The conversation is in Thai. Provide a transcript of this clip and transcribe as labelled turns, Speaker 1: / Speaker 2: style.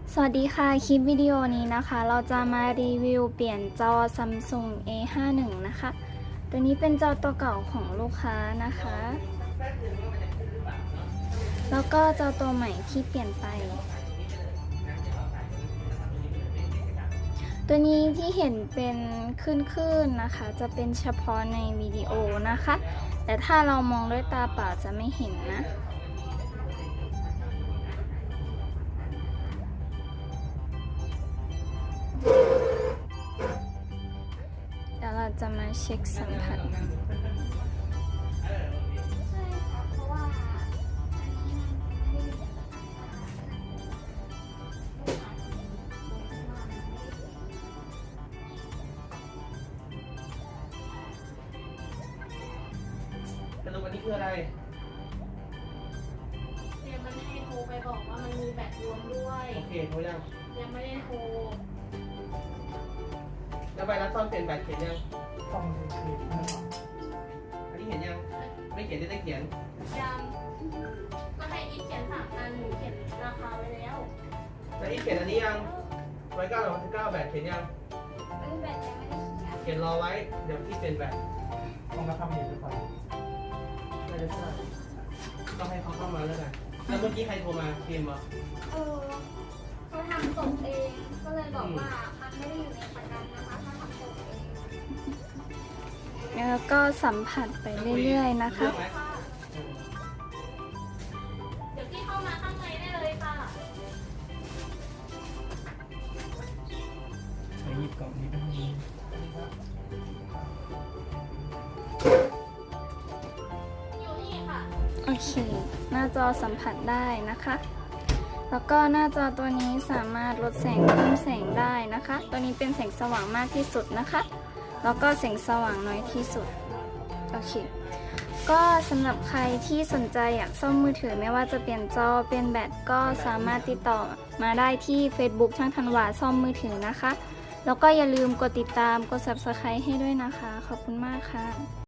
Speaker 1: สวัสดีค่ะคลิปวิดีโอนี้นะคะเราจะมารีวิวเปลี่ยนจอ Samsung A51 นะคะตัวนี้เป็นจอตัวเก่าของลูกค้านะคะแล้วก็จอตัวใหม่ที่เปลี่ยนไปตัวนี้ที่เห็นเป็นคลื่นๆนะคะจะเป็นเฉพาะในวิดีโอนะคะแต่ถ้าเรามองด้วยตาเปล่าจะไม่เห็นนะเดี๋ยวเราจะมาเช็คสัมผัส
Speaker 2: สรุปอันนี้คืออะไร
Speaker 3: เนี่ยมันให้โทรไปบอกว่ามันมีแบตรวมด้วย
Speaker 2: โอเคโทรยัง
Speaker 3: ยังไม่ได้โทร
Speaker 2: แล้วใบรับซ่อมเปลี่ยนแบตเขียนยัง
Speaker 4: ต้องเขียนนะครับ
Speaker 2: อันนี้เขียนยัง ไม่เขียนได้เขียน
Speaker 3: ยังก็ให้อีฟเขียน3 อันหนูเขียนราคาไว้แล้ว
Speaker 2: แล้วอีกเขียนอันนี้ยัง109 แบตเขียนยัง
Speaker 3: แบตยังไม่ได้เขียน
Speaker 2: เขียนรอไว้ เดี๋ยวพี่เปลี่ยนแบต
Speaker 4: ต้องมาทำเองหรือเปล่า
Speaker 2: น่าจะใช่ต้องให้เขาเข้ามาแล้วกันแล้วเมื่อกี้ใครโทรมาพิมพ์เหรอ
Speaker 3: เขาทำตกเองก็เลยบอกว่ามันไม่ได้อยู่ในประกันนะคะถ้าทำตกเอง
Speaker 1: แล้วก็สัมผัสไปเรื่อยๆนะคะ
Speaker 2: เรื่องไหม
Speaker 3: เดี๋ยวพี่เข้ามาข้างในได้เลยค่ะ
Speaker 4: ไปหยิบกล่องนี้ไปให้
Speaker 3: อยู่นี่ค่ะ
Speaker 1: โอเค หน้าจอสัมผัสได้นะคะ แล้วก็หน้าจอตัวนี้สามารถลดแสงเพิ่มแสงได้นะคะ ตัวนี้เป็นแสงสว่างมากที่สุดนะคะ แล้วก็แสงสว่างน้อยที่สุด โอเค ก็สำหรับใครที่สนใจอยากซ่อมมือถือไม่ว่าจะเปลี่ยนจอเป็นแบตก็สามารถติดต่อมาได้ที่ Facebook ช่างธันวาซ่อมมือถือนะคะ แล้วก็อย่าลืมกดติดตามกด Subscribe ให้ด้วยนะคะ ขอบคุณมากค่ะ